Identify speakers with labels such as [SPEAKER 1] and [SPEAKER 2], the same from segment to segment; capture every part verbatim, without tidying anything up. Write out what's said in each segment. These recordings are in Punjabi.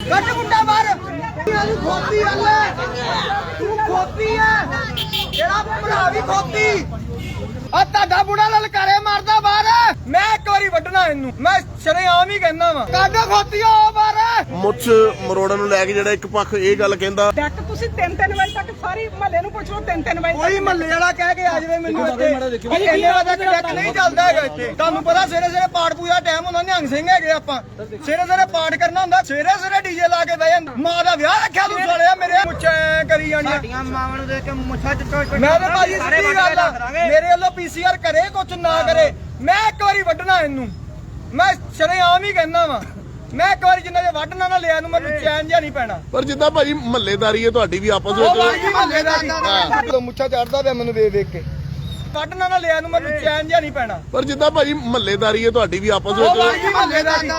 [SPEAKER 1] ਕੱਟ ਮੁੰਡਾ ਮਾਰ ਤੂੰ ਖੋਤੀ ਹੱਲੇ ਤੂੰ ਖੋਤੀ ਹੈ ਤੇਰਾ ਭਰਾ ਵੀ ਖੋਤੀ ਆ ਤੁਹਾਡਾ ਬੁੜਾ ਲਲਕਾਰੇ ਮਾਰਦਾ ਬਾਹਰ ਮੈਂ ਇੱਕ ਵਾਰੀ ਵੱਢਣਾ ਇਹਨੂੰ ਮੈਂ ਸ਼ਰੇਆਮ ਹੀ ਕਹਿੰਦਾ ਵਾ ਕੱਢ ਖੋਤੀਓ ਬਾਹਰ
[SPEAKER 2] ਮੁੱਛ ਮਰੋੜਨ ਨੂੰ ਲੈ ਕੇ ਜਿਹੜਾ ਇੱਕ ਪੱਖ ਇਹ ਗੱਲ ਕਹਿੰਦਾ
[SPEAKER 3] ਡੈਕ ਤੁਸੀਂ ਤਿੰਨ ਤਿੰਨ ਵਜੇ ਤੱਕ ਸਾਰੀ ਮਹੱਲੇ ਨੂੰ ਪੁੱਛ ਲਓ ਤਿੰਨ ਤਿੰਨ ਵਜੇ
[SPEAKER 1] ਕੋਈ ਮਹੱਲੇ ਵਾਲਾ ਕਹਿ ਕੇ ਆ ਜਾਵੇ ਮੈਨੂੰ ਇੱਥੇ ਇੰਨੇ ਵਜੇ ਤੱਕ ਡੈਕ ਨਹੀਂ ਚੱਲਦਾ ਹੈਗਾ ਇੱਥੇ ਤੁਹਾਨੂੰ ਪਤਾ ਸਵੇਰੇ ਸਵੇਰੇ ਪਾਠ ਪੂਜਾ ਟਾਈਮ ਹੁੰਦਾ ਨਿਹੰਗ ਸਿੰਘ ਹੈਗੇ ਆਪਾਂ ਸਵੇਰੇ ਸਵੇਰੇ ਪਾਠ ਕਰਨਾ ਹੁੰਦਾ ਸਵੇਰੇ ਸਵੇਰੇ ਡੀਜੇ ਲਾ ਕੇ ਬਹਿ ਜਾਂਦਾ ਮਾਂ ਦਾ ਵਿਆਹ ਰੱਖਿਆ ਤੂੰ ਸਾਲਿਆ ਮੇਰੇ ਮੁੱਛਾਂ ਕਰੀ ਜਾਣੀਆਂ ਸਾਡੀਆਂ ਮਾਵਾਂ ਨੂੰ ਦੇਖ ਕੇ ਮੁੱਛਾਂ ਚ ਮੈਂ ਤਾਂ ਭਾਜੀ ਸਿੱਧੀ ਗੱਲ ਆ ਮੇਰੇ ਵੱਲੋਂ ਪੀਸੀਆਰ ਕਰੇ ਕੁਛ ਨਾ ਕਰੇ ਮੈਂ ਇੱਕ ਵਾਰੀ ਵੱਢਣਾ ਇਹਨੂੰ ਮੈਂ ਸ਼ਰੇਆਮ ਹੀ ਕਹਿੰਦਾ ਵਾ ਮੈਂ ਇੱਕ ਵਾਰੀ ਜਿੰਨਾ ਜੇ ਵੱਢ ਨਾ ਨਾ ਲਿਆ ਨੂੰ ਮੈਨੂੰ ਚੈਨ ਜਿਹਾ ਨਹੀਂ ਪੈਣਾ
[SPEAKER 2] ਪਰ ਜਿੱਦਾਂ ਭਾਜੀ ਮਹੱਲੇਦਾਰੀ ਹੈ ਤੁਹਾਡੀ ਵੀ ਆਪਸ ਵਿੱਚ
[SPEAKER 1] ਮਹੱਲੇਦਾਰੀ ਮੁੱਛਾਂ ਚੜਦਾ ਪਿਆ ਮੈਨੂੰ ਵੇਖ ਵੇਖ ਕੇ ਵੱਢ ਨਾ ਨਾ ਲਿਆ ਨੂੰ ਮੈਨੂੰ ਚੈਨ ਜਿਹਾ ਨਹੀਂ ਪੈਣਾ
[SPEAKER 2] ਪਰ ਜਿੱਦਾਂ ਭਾਜੀ ਮਹੱਲੇਦਾਰੀ ਹੈ ਤੁਹਾਡੀ ਵੀ ਆਪਸ ਵਿੱਚ
[SPEAKER 1] ਮਹੱਲੇਦਾਰੀ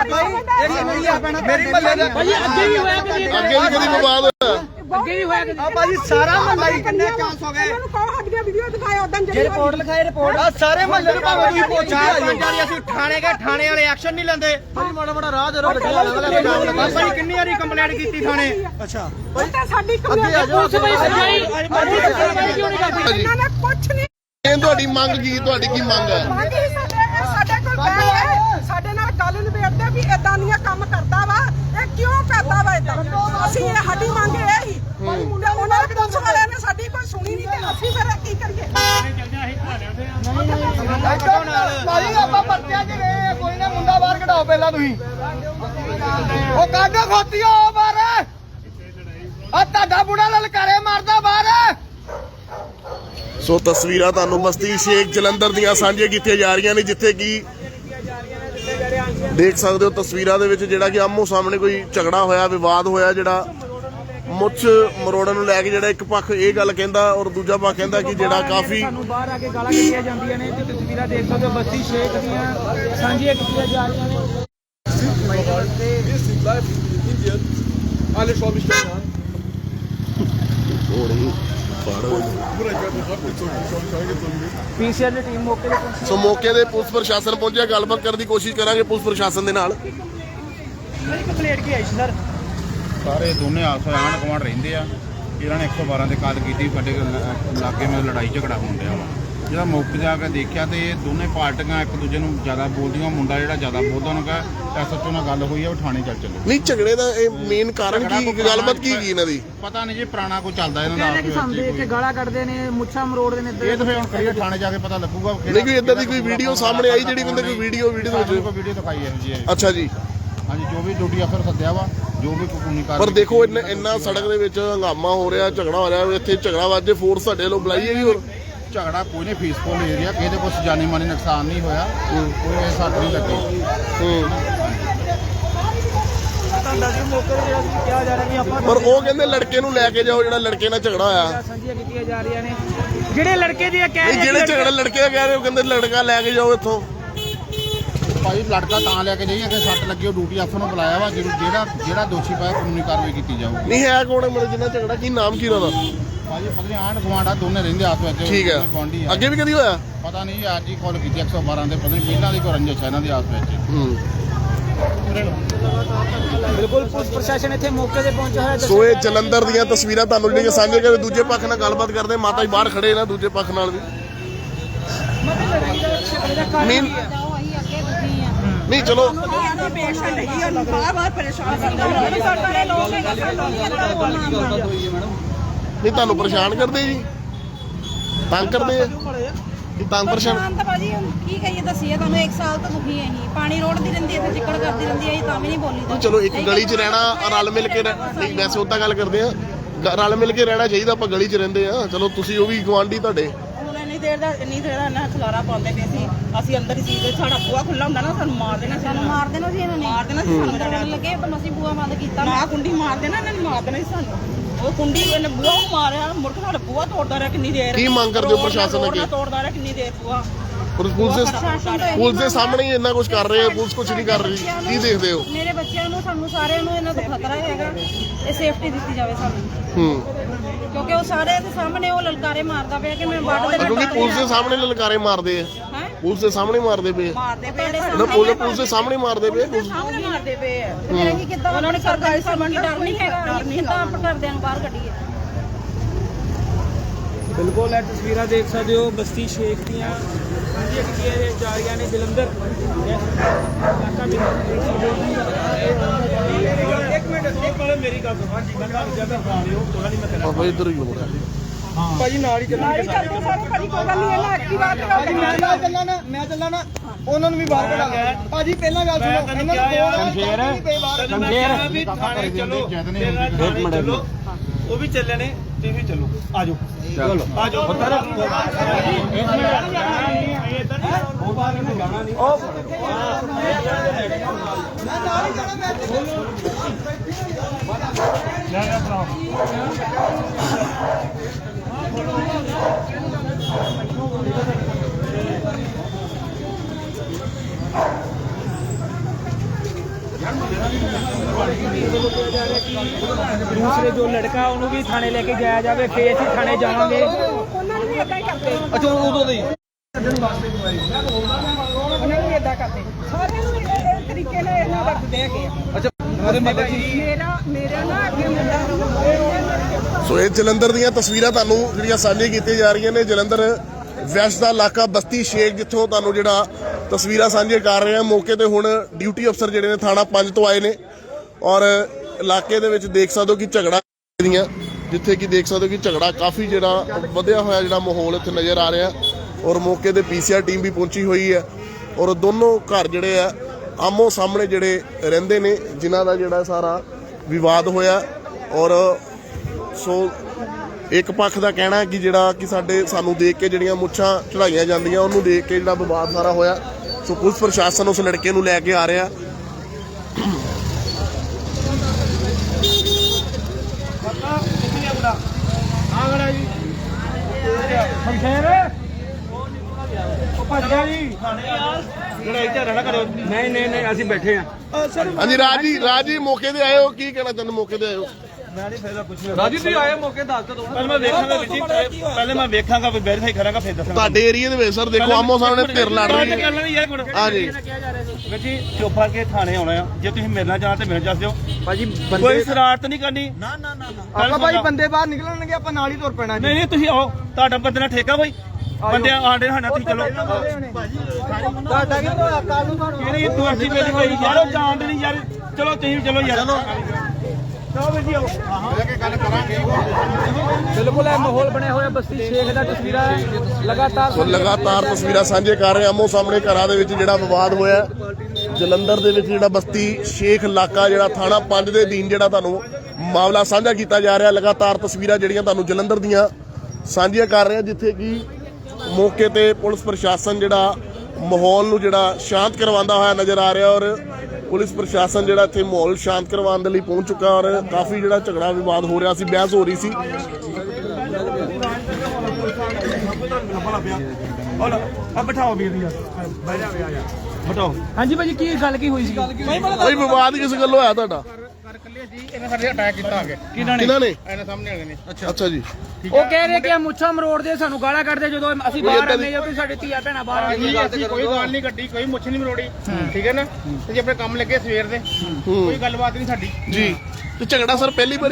[SPEAKER 1] ਮੇਰੀ ਮਹੱਲੇਦਾਰੀ
[SPEAKER 3] ਭਾਜੀ ਅੱਗੇ ਵੀ ਹੋਇਆ ਕਦੀ
[SPEAKER 2] ਅੱਗੇ ਵੀ ਕਦੀ ਵਿਵਾਦ ਹੋਇਆ
[SPEAKER 3] ਅੱਗੇ ਵੀ ਹੋਇਆ ਕਦੀ
[SPEAKER 1] ਆ ਭਾਜੀ ਸਾਰਾ ਮਹੱਲਾ ਹੀ ਕਿੰਨੇ ਚਾਂਸ ਹੋ ਗਏ
[SPEAKER 3] ਇਹਨਾਂ ਨੂੰ ਕਹੋ ਸਾਡੀਆਂ ਵੀਡੀਓ ਦਿਖਾਏ ਉਦੋਂ
[SPEAKER 1] ਜੇ ਰਿਪੋਰਟ ਲਿਖਾਏ ਰਿਪੋਰਟ ਆ ਸਾਰੇ ਮਹੱਲੇ ਨੂੰ ਭਾਵੇਂ ਤੁਸੀਂ ਪੁੱਛ ਕੇ
[SPEAKER 4] ਅਸੀਂ ਥਾਣੇ ਗਏ ਥਾਣੇ ਵਾਲੇ ਐਕਸ਼ਨ ਨਹੀਂ ਲੈਂਦੇ
[SPEAKER 1] ਭਾਜੀ ਮਾੜਾ ਮਾੜਾ ਰਾਹ ਦੇ ਰੋ ਗੱਡੀਆਂ
[SPEAKER 4] ਬਾਬਾ ਜੀ ਕਿੰਨੀ ਵਾਰੀ ਕੰਪਲੇਂਟ ਕੀਤੀ ਥਾਣੇ
[SPEAKER 1] ਅੱਛਾ
[SPEAKER 3] ਤਾਂ ਸਾਡੀ ਕੰਪਲੇਂਟ ਪੁਲਿਸ ਬਈ ਸਜਾਈ ਕਿਉਂ ਨਹੀਂ ਕਰਦੀ ਇਹਨਾਂ ਨੇ ਕੁਝ ਨਹੀਂ
[SPEAKER 2] ਇਹ ਤੁਹਾਡੀ ਮੰਗ ਕੀ ਤੁਹਾਡੀ ਕੀ ਮੰਗ ਹੈ
[SPEAKER 3] ਬਾਕੀ ਸਾਡੇ ਸਾਡੇ ਕੋਲ ਬੈਠ ਕੇ ਸਾਡੇ ਨਾਲ ਗੱਲ ਨਿਬੇੜਦੇ ਵੀ ਇਦਾਂ ਦੀਆਂ ਕੰਮ ਕਰਦਾ ਵਾ ਇਹ ਕਿਉਂ ਕਰਦਾ ਵਾ ਇਦਾਂ ਅਸੀਂ ਇਹ ਸਾਡੀ ਮੰਗ ਇਹ ਹੀ ਮੁੰਡਾ ਉਹਨਾਂ ਦੇ ਪੁਲਿਸ ਵਾਲਿਆਂ ਨੇ ਸਾਡੀ ਕੋਈ ਸੁਣੀ ਨਹੀਂ ਤੇ ਅਸੀਂ ਫਿਰ ਕੀ ਕਰੀਏ
[SPEAKER 1] ਭਾਜੀ ਆਪਾਂ ਪਰਚਿਆਂ 'ਚ ਗਏ ਕੋਈ ਨਾ ਮੁੰਡਾ ਬਾਹਰ ਕਢਾਓ ਪਹਿਲਾਂ ਤੁਸੀਂ ਉਹ ਕਾਢੋ ਖੋਤੀਓ ਬਾਹਰ ਆ ਤੁਹਾਡਾ ਬੁੜਾ ਲਲਕਾਰੇ ਮਾਰਦਾ ਬਾਹਰ
[SPEAKER 2] ਸੋ ਤਸਵੀਰਾਂ ਤੁਹਾਨੂੰ ਬਸਤੀ ਸ਼ੇਖ ਜਲੰਧਰ ਦੀਆਂ ਸਾਂਝੀਆਂ ਕੀਤੀਆਂ ਜਾ ਰਹੀਆਂ ਨੇ ਜਿੱਥੇ ਕਿ ਦੇਖ ਸਕਦੇ ਹੋ ਤਸਵੀਰਾਂ ਦੇ ਵਿੱਚ ਜਿਹੜਾ ਕਿ ਆਮੋ ਸਾਹਮਣੇ ਕੋਈ ਝਗੜਾ ਹੋਇਆ ਵਿਵਾਦ ਹੋਇਆ ਜਿਹੜਾ ਮੁੱਛ ਮਰੋੜਨ ਨੂੰ ਲੈ ਕੇ ਜਿਹੜਾ ਇੱਕ ਪੱਖ ਇਹ ਗੱਲ ਕਹਿੰਦਾ ਔਰ ਦੂਜਾ ਪੱਖ ਕਹਿੰਦਾ ਕਿ ਜਿਹੜਾ ਕਾਫੀ
[SPEAKER 3] ਸਾਨੂੰ ਬਾਹਰ ਆ ਕੇ ਗਾਲਾਂ ਕੱਢੀਆਂ ਜਾਂਦੀਆਂ ਨੇ ਤੇ ਤਸਵੀਰਾਂ ਦੇਖ ਸਕਦੇ ਹੋ ਬਸਤੀ ਸ਼ੇਖ ਦੀਆਂ ਸਾਂਝੀਆਂ ਕੀਤੀਆਂ ਜਾ ਰਹੀਆਂ ਨੇ
[SPEAKER 5] Alle schauen mich gerne an.
[SPEAKER 3] PCR ਦੀ ਟੀਮ ਮੌਕੇ ਤੇ ਪਹੁੰਚੀ
[SPEAKER 2] ਸੋ ਮੌਕੇ ਦੇ ਪੁਲਿਸ ਪ੍ਰਸ਼ਾਸਨ ਪਹੁੰਚਿਆ ਗੱਲਬਾਤ ਕਰਨ ਦੀ ਕੋਸ਼ਿਸ਼ ਕਰਾਂਗੇ ਪੁਲਿਸ ਪ੍ਰਸ਼ਾਸਨ ਦੇ ਨਾਲ
[SPEAKER 3] ਮੇਰੀ ਕੰਪਲੇਂਟ ਕੀ ਆਈ ਸੀ ਸਰ
[SPEAKER 6] ਸਾਰੇ ਦੋਨੇ ਆਪਸ ਵਿੱਚ ਆਂਢ ਗੁਆਂਢ ਰਹਿੰਦੇ ਆ ਇਹਨਾਂ ਨੇ ਇੱਕ ਸੌ ਬਾਰਾਂ ਤੇ ਕਾਲ ਕੀਤੀ ਸਾਡੇ ਲਾਗੇ ਵਿੱਚ ਲੜਾਈ ਝਗੜਾ ਹੋਣ ਡਿਆ ਵਾ ਜਿਹੜਾ ਮੌਕੇ ਜਾ ਕੇ ਦੇਖਿਆ ਤੇ ਇਹ ਦੋਨੇ ਪਾਰਟੀਆਂ ਇੱਕ ਦੂਜੇ ਨੂੰ ਜ਼ਿਆਦਾ ਬੋਲਦੀਆਂ ਮੁੰਡਾ ਜਿਹੜਾ ਜ਼ਿਆਦਾ ਬੋਲਦਾ ਉਹਨੂੰ ਕਹੇ ਐਸਐਚਓ ਨਾਲ ਗੱਲ ਹੋਈ ਆ ਉਹ ਥਾਣੇ ਚੱਲ ਚੱਲੋ
[SPEAKER 2] ਨਹੀਂ ਝਗੜੇ ਦਾ ਇਹ ਮੇਨ ਕਾਰਨ ਕੀ ਗੱਲਬਾਤ ਕੀ ਕੀ ਇਹਨਾਂ ਦੀ
[SPEAKER 6] ਪਤਾ ਨਹੀਂ ਜੀ ਪੁਰਾਣਾ ਕੋਈ ਚੱਲਦਾ ਇਹਨਾਂ ਦਾ
[SPEAKER 3] ਕਹਿੰਦੇ ਕਿ ਸਾਨੂੰ ਦੇਖ ਕੇ ਗਾਲਾਂ ਕੱਢਦੇ ਨੇ ਮੁੱਛਾਂ ਮਰੋੜਦੇ ਨੇ
[SPEAKER 6] ਇਹ ਤਾਂ ਫਿਰ ਹੁਣ ਕਰੀਏ ਥਾਣੇ ਜਾ ਕੇ ਪਤਾ ਲੱਗੂਗਾ
[SPEAKER 2] ਨਹੀਂ ਕੋਈ ਇਦਾਂ ਦੀ ਕੋਈ ਵੀਡੀਓ ਸਾਹਮਣੇ ਆਈ ਜਿਹੜੀ ਬੰਦੇ ਕੋਈ ਵੀਡੀਓ ਵੀਡੀਓ ਦੇ ਵਿੱਚ
[SPEAKER 6] ਕੋਈ ਵੀਡੀਓ ਦਿਖਾਈ ਹੈ ਜੀ
[SPEAKER 2] ਅੱਛਾ ਜੀ
[SPEAKER 6] ਹਾਂਜੀ ਜੋ ਵੀ ਡਿਊਟੀ ਅਫਸਰ ਸੱਦਿਆ ਵਾ ਜੋ ਵੀ ਕਾਨੂੰਨੀ ਕਾਰਵਾਈ
[SPEAKER 2] ਪਰ ਦੇਖੋ ਇੰਨਾ ਇੰਨਾ ਸੜਕ ਦੇ ਵਿੱਚ ਹੰਗਾਮਾ ਹੋ ਰਿਹਾ ਝਗੜਾ ਹੋ ਰਿਹਾ ਇੱਥੇ ਝਗੜਾ ਵਾਜੇ ਫੋਰਸ ਸਾਡੇ ਵੱਲੋਂ ਬੁਲਾਈ ਹੈਗੀ ਹੋਰ
[SPEAKER 6] ਝਗੜਾ ਕੋਈ ਨਹੀਂ ਪੀਸਫੁਲ ਏਰੀਆ ਕਿਸੇ ਦੇ ਕੁਝ ਜਾਨੀ ਮਾਨੀ ਨੁਕਸਾਨ ਨਹੀਂ ਹੋਇਆ ਕੋਈ ਸੱਟ ਨਹੀਂ ਲੱਗੀ
[SPEAKER 3] ਕਿਹਾ ਜਾ ਰਿਹਾ ਕਿ ਆਪਾਂ
[SPEAKER 2] ਪਰ ਉਹ ਕਹਿੰਦੇ ਲੜਕੇ ਨੂੰ ਲੈ ਕੇ ਜਾਓ ਜਿਹੜਾ ਲੜਕੇ ਨਾਲ ਝਗੜਾ ਹੋਇਆ
[SPEAKER 3] ਸਾਂਝੀਆਂ ਕੀਤੀਆਂ ਜਾ ਰਹੀਆਂ ਨੇ ਜਿਹੜੇ ਲੜਕੇ ਦੀ ਕਹਿ
[SPEAKER 2] ਨਹੀਂ ਜਿਹੜੇ ਝਗੜਾ ਲੜਕੇ ਦਾ ਕਹਿ ਰਹੇ ਉਹ ਕਹਿੰਦੇ ਲੜਕਾ ਲੈ ਕੇ ਜਾਓ ਇੱਥੋਂ
[SPEAKER 6] ਭਾਈ ਲੜਕਾ ਤਾਂ ਲੈ ਕੇ ਜਾਈਏ ਕਿ ਸੱਟ ਲੱਗੀ ਉਹ ਡਿਊਟੀ ਅਫਸਰ ਨੂੰ ਬੁਲਾਇਆ ਵਾ ਜਿਹੜਾ ਜਿਹੜਾ ਦੋਸ਼ੀ ਪਾਇਆ ਕਾਨੂੰਨੀ ਕਾਰਵਾਈ ਕੀਤੀ ਜਾਊਗੀ
[SPEAKER 2] ਨਹੀਂ ਹੈ ਕੌਣ ਮਤਲਬ ਜਿੰਨਾ ਝਗੜਾ ਕੀ ਨਾਮ ਕੀ ਉਹਦਾ
[SPEAKER 6] ਭਾਜੀ ਪਤਲੇ ਆਂਢ ਗੁਆਂਢ ਦੋਨੇ ਰਹਿੰਦੇ ਆਪ ਵਿੱਚ
[SPEAKER 2] ਠੀਕ ਹੈ
[SPEAKER 6] ਗੁਆਂਢੀ ਆ
[SPEAKER 2] ਅੱਗੇ ਵੀ ਕਦੀ ਹੋਇਆ
[SPEAKER 6] ਪਤਾ ਨਹੀਂ ਅੱਜ ਹੀ ਕਾਲ ਕੀਤੀ ਇੱਕ ਸੌ ਬਾਰਾਂ ਦੇ ਪਤਾ ਨਹੀਂ ਪਹਿਲਾਂ ਦੀ ਕੋਈ ਰੰਜਿਸ਼ ਹੈ ਇਹਨਾਂ ਦੀ ਆਪ ਵਿੱਚ
[SPEAKER 2] ਹੂੰ
[SPEAKER 3] ਬਿਲਕੁਲ ਪੁਲਿਸ ਪ੍ਰਸ਼ਾਸਨ ਇੱਥੇ ਮੌਕੇ ਤੇ ਪਹੁੰਚਿਆ ਹੋਇਆ
[SPEAKER 2] ਸੋ ਇਹ ਜਲੰਧਰ ਦੀਆਂ ਤਸਵੀਰਾਂ ਤੁਹਾਨੂੰ ਜਿਹੜੀਆਂ ਸਾਂਝੇ ਕਰਦੇ ਦੂਜੇ ਪੱਖ ਨਾਲ ਗੱਲਬਾਤ ਕਰਦੇ ਮਾਤਾ ਜੀ ਬਾਹਰ ਖੜੇ ਨੇ ਦੂਜੇ ਪੱਖ ਨਾਲ ਵੀ ਮੀਨ ਨਹੀਂ ਚਲੋ ਨਹੀਂ ਤੁਹਾਨੂੰ ਪਰੇਸ਼ਾਨ ਕਰਦੇ ਜੀ ਤੰਗ ਕਰਦੇ ਆ ਤੰਗ ਪਰੇਸ਼ਾਨ
[SPEAKER 7] ਤਾਂ ਭਾਜੀ ਕੀ ਕਹੀਏ ਦੱਸੀਏ ਤੁਹਾਨੂੰ ਇੱਕ ਸਾਲ ਤੋਂ ਦੁਖੀ ਹੈ ਹੀ ਪਾਣੀ ਰੋੜਦੀ ਰਹਿੰਦੀ ਹੈ ਤੇ ਚਿੱਕੜ ਕਰਦੀ ਰਹਿੰਦੀ ਹੈ ਤਾਂ ਵੀ ਨਹੀਂ ਬੋਲੀ ਤਾਂ
[SPEAKER 2] ਚਲੋ ਇੱਕ ਗਲੀ 'ਚ ਰਹਿਣਾ ਰਲ ਮਿਲ ਕੇ ਨਹੀਂ ਵੈਸੇ ਉਦਾਂ ਗੱਲ ਕਰਦੇ ਆ ਰਲ ਮਿਲ ਕੇ ਰਹਿਣਾ ਚਾਹੀਦਾ ਆਪਾਂ ਗਲੀ 'ਚ ਰਹਿੰਦੇ ਆ ਚਲੋ ਤੁਸੀਂ ਉਹ ਵੀ ਗੁਆਂਢੀ ਤੁਹਾਡੇ
[SPEAKER 8] ਹੁਣ ਇੰਨੀ ਦੇਰ ਦਾ ਇੰਨੀ ਦੇਰ ਦਾ ਇਹਨਾਂ ਖਲਾਰਾ ਪਾਉਂਦੇ ਪਏ ਸੀ ਅਸੀਂ ਅੰਦਰ ਹੀ ਸੀ ਸਾਡਾ ਬੂਹਾ ਖੁੱਲਾ ਹੁੰਦਾ ਨਾ ਸਾਨੂੰ ਮਾਰ ਦੇਣਾ
[SPEAKER 7] ਸਾਨੂੰ ਮਾਰ ਦੇਣਾ ਸੀ ਇਹਨਾਂ ਨੇ
[SPEAKER 8] ਮਾਰ ਦੇਣਾ ਸੀ ਸਾਨੂੰ
[SPEAKER 7] ਮਾਰਨ ਲੱਗੇ ਪਰ ਅਸੀਂ ਬੂਆ ਬੰਦ ਕੀਤਾ
[SPEAKER 8] ਨਾ ਕੁੰਡੀ ਮਾਰ ਦੇਣਾ ਇਹਨਾਂ ਨੇ ਮਾਰ ਦੇਣਾ ਸੀ ਸਾਨੂੰ ਉਹ ਕੁੰਡੀ ਇਹਨੇ ਬੂਹਾ ਮਾਰਿਆ ਮੁੜ ਕੇ ਸਾਡਾ ਬੂਹਾ ਤੋੜਦਾ ਰਿਹਾ ਕਿੰਨੀ ਦੇਰ
[SPEAKER 2] ਕੀ ਮੰਗ ਕਰਦੇ ਹੋ ਪ੍ਰਸ਼ਾਸਨ ਅੱਗੇ
[SPEAKER 8] ਤੋੜਦਾ ਰਿਹਾ ਕਿੰਨੀ ਦੇਰ ਬੂਹਾ
[SPEAKER 2] ਪੁਲਿਸ ਦੇ ਪੁਲਿਸ ਦੇ ਸਾਹਮਣੇ ਹੀ ਇੰਨਾ ਕੁਝ ਕਰ ਰਹੇ ਆ ਪੁਲਿਸ ਕੁਝ ਨਹੀਂ ਕਰ ਰਹੀ ਕੀ ਦੇਖਦੇ ਹੋ
[SPEAKER 7] ਮੇਰੇ ਬੱਚਿਆਂ ਨੂੰ ਸਾਨੂੰ ਸਾਰਿਆਂ ਨੂੰ ਇਹਨਾਂ ਤੋਂ ਖਤਰਾ ਹੈਗਾ ਇਹ ਸੇਫਟੀ ਦਿੱਤੀ ਜਾਵੇ ਸਾਨੂੰ
[SPEAKER 2] ਹੂੰ
[SPEAKER 7] ਕਿਉਂਕਿ ਉਹ ਸਾਰੇ ਦੇ ਸਾਹਮਣੇ ਉਹ ਲਲਕਾਰੇ ਮਾਰਦਾ ਪਿਆ ਕਿ ਮੈਂ ਵੱਢ ਦੇਣਾ
[SPEAKER 2] ਕਿਉਂਕਿ ਪੁਲਿਸ ਦੇ ਸਾਹਮਣੇ ਲਲਕਾਰੇ ਮਾਰਦੇ ਆ
[SPEAKER 7] ਹੈ
[SPEAKER 2] ਪੁਲਿਸ ਦੇ ਸਾਹਮਣੇ ਮਾਰਦੇ ਪਏ
[SPEAKER 8] ਮਾਰਦੇ ਪਏ ਨੇ
[SPEAKER 2] ਨਾ ਪੁਲਿਸ ਪੁਲਿਸ ਦੇ ਸਾਹਮਣੇ ਮਾਰਦੇ ਪਏ ਪੁਲਿਸ
[SPEAKER 8] ਸਾਹਮਣੇ ਮਾਰਦੇ ਪਏ ਆ
[SPEAKER 7] ਫਿਰ ਅਸੀਂ ਕਿੱਦਾਂ
[SPEAKER 8] ਉਹਨਾਂ ਨੇ ਸਰਕਾਰੀ
[SPEAKER 7] ਸਰਵੰਟ ਡਰ ਨਹੀਂ ਹੈਗਾ ਕਿੱਦਾਂ ਆਪਾਂ ਘਰਦਿਆਂ ਨੂੰ ਬਾਹਰ ਕੱਢੀਏ।
[SPEAKER 5] ਬਿਲਕੁਲ ਇਹ ਤਸਵੀਰਾਂ ਦੇਖ ਸਕਦੇ ਹੋ ਬਸਤੀ ਸ਼ੇਖ ਦੀਆਂ ਸਾਂਝੀਆਂ ਕੀਤੀਆਂ ਜਾ ਰਹੀਆਂ ਨੇ ਜਲੰਧਰ ਇਲਾਕਾ ਵਿੱਚ। ਇੱਕ ਮਿੰਟ ਇੱਕ ਮਿੰਟ ਮੇਰੀ ਗੱਲ ਸੁਣੋ। ਹਾਂਜੀ ਮੈਂ ਤੁਹਾਨੂੰ ਜਿਆਦਾ ਬਣਾ ਲਿਓ ਥੋੜਾ ਨਹੀਂ ਮੈਂ ਕਰਾਂ
[SPEAKER 2] ਆਪਾਂ ਇੱਧਰ ਹੀ ਮੁੜਿਆ
[SPEAKER 5] ਭਾਜੀ ਨਾਲ ਹੀ
[SPEAKER 3] ਨਾਲ ਹੀ ਚੱਲਦੇ ਸਾਰੇ ਭਾਜੀ ਕੋਈ ਗੱਲ ਨਹੀਂ ਇਹਨਾਂ ਐਕਟਿਵਾ ਤੇ
[SPEAKER 1] ਭਾਜੀ ਮੈਂ ਨਾਲ ਚੱਲਾਂ ਨਾ ਮੈਂ ਚੱਲਾਂ ਨਾ ਉਹਨਾਂ ਨੂੰ ਵੀ ਬਾਹਰ ਕਢਾ ਲਿਆ ਭਾਜੀ ਪਹਿਲਾਂ ਗੱਲ ਸੁਣੋ ਇਹਨਾਂ ਨੂੰ ਕੋਲ
[SPEAKER 5] ਸ਼ਮਸ਼ੇਰ ਵੀ ਥਾਣੇ ਚਲੋ ਇੱਕ ਮਿੰਟ ਚਲੋ ਉਹ ਵੀ ਚੱਲੇ ਨੇ ਤੁਸੀਂ ਵੀ ਚਲੋ ਆਜੋ ਚਲੋ ਆਜੋ ਪੁੱਤਰ ਇੱਕ ਮਿੰਟ ਉਹ ਬਾਹਰ ਨੂੰ ਜਾਣਾ ਨਹੀਂ ਉਹ
[SPEAKER 1] ਮੈਂ ਨਾਲ ਹੀ ਜਾਣਾ ਮੈਂ
[SPEAKER 5] ਲੈ ਲੈ ਭਰਾ दूसरे जो लड़का ਉਹਨੂੰ ਵੀ ਥਾਣੇ ਲੈ ਕੇ ਜਾਇਆ ਜਾਵੇ ਫੇਰ ਅਸੀਂ ਥਾਣੇ ਜਾਵਾਂਗੇ।
[SPEAKER 3] ਉਹਨਾਂ ਨੂੰ ਵੀ ਇਦਾਂ ਹੀ ਕਰਦੇ
[SPEAKER 1] ਅੱਛਾ ਉਦੋਂ ਦੇ
[SPEAKER 3] ਉਹਨਾਂ ਨੂੰ ਵੀ ਇਦਾਂ ਕਰਦੇ ਸਾਰਿਆਂ ਨੂੰ ਇਹ ਇਹ ਤਰੀਕੇ ਨਾਲ ਇਹਨਾਂ ਵਰਤਦੇ ਹੈਗੇ ਆ।
[SPEAKER 1] ਅੱਛਾ ਮੇਰੇ ਮਤਲਬ ਜੀ
[SPEAKER 3] ਮੇਰਾ ਮੇਰਾ ਨਾ ਅੱਗੇ ਮੁੰਡਾ
[SPEAKER 2] ਸੋ ਇਹ ਜਲੰਧਰ ਦੀਆਂ ਤਸਵੀਰਾਂ ਤੁਹਾਨੂੰ ਜਿਹੜੀਆਂ ਸਾਂਝੀਆਂ ਕੀਤੀਆਂ ਜਾ ਰਹੀਆਂ ਨੇ ਜਲੰਧਰ ਵੈਸਟ ਦਾ ਇਲਾਕਾ ਬਸਤੀ ਸ਼ੇਖ ਜਿੱਥੋਂ ਤੁਹਾਨੂੰ ਜਿਹੜਾ ਤਸਵੀਰਾਂ ਸਾਂਝੀਆਂ ਕਰ ਰਹੇ ਆ। ਮੌਕੇ ਤੇ ਹੁਣ ਡਿਊਟੀ ਅਫਸਰ ਜਿਹੜੇ ਨੇ ਥਾਣਾ ਪੰਜ ਤੋਂ ਆਏ ਨੇ ਔਰ ਇਲਾਕੇ ਦੇ ਵਿੱਚ ਦੇਖ ਸਕਦੇ ਹੋ ਕਿ ਝਗੜਾ ਦੀਆਂ ਜਿੱਥੇ ਕਿ ਦੇਖ ਸਕਦੇ ਹੋ ਕਿ ਝਗੜਾ ਕਾਫੀ ਜਿਹੜਾ ਵਧਿਆ ਹੋਇਆ ਜਿਹੜਾ ਮਾਹੌਲ ਇੱਥੇ ਨਜ਼ਰ ਆ ਰਿਹਾ ਔਰ ਮੌਕੇ ਤੇ ਪੀਸੀਆਰ ਟੀਮ ਵੀ ਪਹੁੰਚੀ ਹੋਈ ਹੈ ਔਰ ਦੋਨੋਂ ਘਰ ਜਿਹੜੇ ਆ ਆਮੋ ਸਾਹਮਣੇ ਜਿਹੜੇ ਰਹਿੰਦੇ ਨੇ ਜਿਨ੍ਹਾਂ ਦਾ ਜਿਹੜਾ ਸਾਰਾ ਵਿਵਾਦ ਹੋਇਆ ਔਰ ਸੋ ਇੱਕ ਪੱਖ ਦਾ ਕਹਿਣਾ ਹੈ ਕਿ ਜਿਹੜਾ ਕਿ ਸਾਡੇ ਸਾਨੂੰ ਦੇਖ ਕੇ ਜਿਹੜੀਆਂ ਮੁੱਛਾਂ ਚੜਾਈਆਂ ਜਾਂਦੀਆਂ ਉਹਨੂੰ ਦੇਖ ਕੇ ਜਿਹੜਾ ਵਿਵਾਦ ਸਾਰਾ ਹੋਇਆ। ਸੋ ਪੁਲਿਸ ਪ੍ਰਸ਼ਾਸਨ ਉਸ ਲੜਕੇ ਨੂੰ ਲੈ ਕੇ ਆ ਰਿਹਾ।
[SPEAKER 5] ਸ਼ਮਸ਼ੇਰ ਉਹ ਭੱਜ ਗਿਆ ਜੀ ਲੜਾਈ ਝਗੜਾ ਨਾ ਕਰਿਓ। ਨਹੀਂ ਨਹੀਂ ਨਹੀਂ ਅਸੀਂ ਬੈਠੇ ਆ।
[SPEAKER 2] ਹਾਂਜੀ ਰਾਜ ਜੀ ਰਾਜ ਜੀ ਮੌਕੇ ਤੇ ਆਏ ਹੋ ਕੀ ਕਹਿਣਾ ਚਾਹੁੰਦੇ ਮੌਕੇ ਤੇ ਆਏ ਹੋ?
[SPEAKER 1] ਰਾਜੀ ਤੁਸੀਂ ਆਏ ਮੌਕੇ ਦੱਸ ਦੋ
[SPEAKER 5] ਪਹਿਲੇ ਮੈਂ ਵੇਖਾਂਗਾ ਵੀਰ ਜੀ ਪਹਿਲੇ ਮੈਂ ਵੇਖਾਂਗਾ ਵੈਰੀਫਾਈ ਕਰਾਂਗਾ ਫਿਰ ਦੱਸਾਂਗਾ।
[SPEAKER 2] ਤੁਹਾਡੇ ਏਰੀਆ ਦੇ ਵਿੱਚ ਸਰ ਦੇਖੋ ਆਮੋ ਸਾਹਮਣੇ ਧਿਰ ਲੜ ਰਹੀ ਹੈ। ਹਾਂਜੀ
[SPEAKER 5] ਵੀਰ ਜੀ ਚੁੱਪ ਕਰਕੇ ਥਾਣੇ ਆਉਣਾ ਆ। ਜੇ ਤੁਸੀਂ ਮੇਰੇ ਨਾਲ ਜਾਣਾ ਤੇ ਮੈਨੂੰ ਦੱਸ ਦਿਓ ਭਾਜੀ। ਕੋਈ ਸ਼ਰਾਰਤ ਨਹੀਂ ਕਰਨੀ। ਨਾ ਨਾ ਨਾ
[SPEAKER 1] ਆਪਾਂ ਭਾਈ ਬੰਦੇ ਬਾਹਰ ਨਿਕਲਣਗੇ ਆਪਾਂ ਨਾਲ ਹੀ ਤੁਰ ਪੈਣਾ
[SPEAKER 5] ਨਹੀਂ ਨਹੀਂ ਤੁਸੀਂ ਆਓ ਤੁਹਾਡਾ ਬੰਦੇ ਨਾਲ ਠੇਕਾ ਬਾਈ ਬੰਦੇ ਆਂਡੇ ਹਾਣਾ ਤੁਸੀਂ ਚਲੋ
[SPEAKER 1] ਤੁਹਾਡਾ ਕੀ ਹੋਇਆ ਕੱਲ ਨੂੰ ਤੁਹਾਨੂੰ
[SPEAKER 5] ਇਹ ਨਹੀਂ ਤੂੰ ਅੱਛੀ ਮੇਰੀ ਭਾਈ ਯਾਰ ਉਹ ਜਾਣਦੇ ਨਹੀਂ ਯਾਰ ਚਲੋ ਤੁਸੀਂ ਵੀ ਚਲੋ ਯਾਰ ਚਲੋ ਵੀਰ ਜੀ ਆਓ
[SPEAKER 1] ਬਿਲਕੁਲ ਇਹ ਮਾਹੌਲ ਬਣਿਆ ਹੋਇਆ ਬਸਤੀ ਸ਼ੇਖ ਦਾ ਤਸਵੀਰਾਂ ਲਗਾਤਾਰ
[SPEAKER 2] ਸੋ ਲਗਾਤਾਰ ਤਸਵੀਰਾਂ ਸਾਂਝੇ ਕਰ ਰਹੇ ਆਮੋ ਸਾਹਮਣੇ ਘਰਾਂ ਦੇ ਵਿੱਚ ਜਿਹੜਾ ਵਿਵਾਦ ਹੋਇਆ ਜਲੰਧਰ ਦੇ ਵਿੱਚ ਜਿਹੜਾ ਬਸਤੀ ਸ਼ੇਖ ਇਲਾਕਾ ਜਿਹੜਾ ਥਾਣਾ ਪੰਜ ਦੇ ਅਧੀਨ ਜਿਹੜਾ ਤੁਹਾਨੂੰ ਮਾਮਲਾ ਸਾਂਝਾ ਕੀਤਾ ਜਾ ਰਿਹਾ। ਲਗਾਤਾਰ ਤਸਵੀਰਾਂ ਜਿਹੜੀਆਂ ਤੁਹਾਨੂੰ ਜਲੰਧਰ ਦੀਆਂ ਸਾਂਝੀਆਂ ਕਰ ਰਹੇ ਹਾਂ ਜਿੱਥੇ ਕਿ ਮੌਕੇ ਤੇ ਪੁਲਿਸ ਪ੍ਰਸ਼ਾਸਨ ਜਿਹੜਾ ਮਾਹੌਲ ਨੂੰ ਜਿਹੜਾ ਸ਼ਾਂਤ ਕਰਵਾਉਂਦਾ ਹੋਇਆ ਨਜ਼ਰ ਆ ਰਿਹਾ ਔਰ ਪੁਲਿਸ ਪ੍ਰਸ਼ਾਸਨ ਜਿਹੜਾ ਇੱਥੇ ਮਾਹੌਲ ਸ਼ਾਂਤ ਕਰਵਾਉਣ ਦੇ ਲਈ ਪਹੁੰਚ ਚੁੱਕਾ ਔਰ ਕਾਫੀ ਜਿਹੜਾ ਝਗੜਾ ਵਿਵਾਦ ਹੋ ਰਿਹਾ ਸੀ ਬਹਿਸ ਹੋ ਰਹੀ ਸੀ।
[SPEAKER 5] ਆ ਬਿਠਾਓ ਵੀਰ ਜੀ ਬਹਿ ਜਾ ਆ ਜਾ ਬਿਠਾਓ।
[SPEAKER 1] ਹਾਂਜੀ ਭਾਜੀ ਕੀ ਗੱਲ ਕੀ ਹੋਈ ਸੀ
[SPEAKER 2] ਕੋਈ ਵਿਵਾਦ ਕਿਸ ਗੱਲੋਂ ਹੋਇਆ ਤੁਹਾਡਾ?
[SPEAKER 6] ਇਹਨੇ ਸਾਡੇ ਅਟੈਕ ਕੀਤਾ ਆ ਕੇ
[SPEAKER 5] ਕਿਹਨਾਂ ਨੇ
[SPEAKER 2] ਕਿਹਨਾਂ ਨੇ?
[SPEAKER 6] ਇਹਨੇ ਸਾਹਮਣੇ ਵਾਲੇ ਨੇ
[SPEAKER 2] ਅੱਛਾ ਜੀ
[SPEAKER 1] ਉਹ ਕਹਿ ਰਹੇ ਕਿ ਮੁੱਛਾਂ ਮਰੋੜਦੇ ਸਾਨੂੰ ਗਾਲਾਂ ਕੱਢਦੇ ਜਦੋਂ ਅਸੀਂ ਬਾਹਰ ਆਉਂਦੇ ਜਾਂ ਤੁਸੀਂ ਸਾਡੇ ਧੀਆ ਭੈਣਾਂ ਬਾਹਰ ਆਉਂਦੀਆਂ।
[SPEAKER 6] ਅਸੀਂ ਕੋਈ ਗੱਲ ਨਹੀਂ ਕੱਢੀ ਕੋਈ ਮੁੱਛ ਨਹੀਂ ਮਰੋੜੀ ਠੀਕ ਹੈ ਨਾ ਤੇ ਜੇ ਆਪਣੇ ਕੰਮ ਲੱਗੇ ਸਵੇਰ ਦੇ ਕੋਈ ਗੱਲਬਾਤ ਨਹੀਂ ਸਾਡੀ
[SPEAKER 2] ਜੀ ਤੇ ਝਗੜਾ ਸਰ ਪਹਿਲੀ ਵਾਰੀ